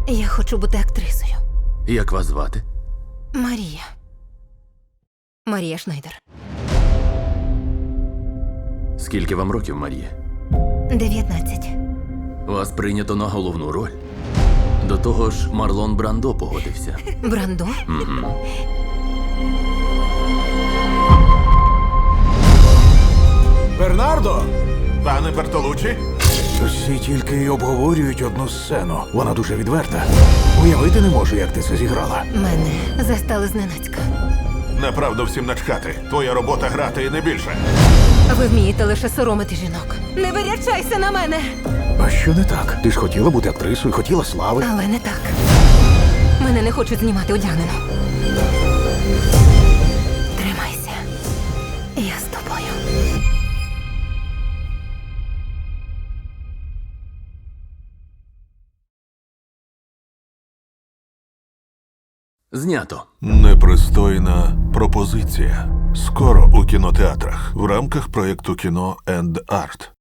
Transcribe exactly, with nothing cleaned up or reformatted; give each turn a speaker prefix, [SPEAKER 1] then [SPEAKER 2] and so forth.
[SPEAKER 1] Я хочу бути актрисою.
[SPEAKER 2] Як вас звати?
[SPEAKER 1] Марія. Марія Шнайдер.
[SPEAKER 2] Скільки вам років, Марія?
[SPEAKER 1] дев'ятнадцять.
[SPEAKER 2] Вас прийнято на головну роль. До того ж, Марлон Брандо погодився.
[SPEAKER 1] Брандо?
[SPEAKER 3] Бернардо!
[SPEAKER 4] Пане Бертолуччі?
[SPEAKER 3] Всі тільки й обговорюють одну сцену. Вона дуже відверта. Уявити не можу, як ти це зіграла.
[SPEAKER 1] Мене застали зненацька.
[SPEAKER 4] Направду всім начхати. Твоя робота грати і не більше.
[SPEAKER 1] Ви вмієте лише соромити жінок. Не вирячайся на мене!
[SPEAKER 3] А що не так? Ти ж хотіла бути актрисою, хотіла слави.
[SPEAKER 1] Але не так. Мене не хочуть знімати одягнено. Тримайся. Я з тобою.
[SPEAKER 2] Знято.
[SPEAKER 4] Непристойна пропозиція. Скоро у кінотеатрах в рамках проєкту кіно енд арт.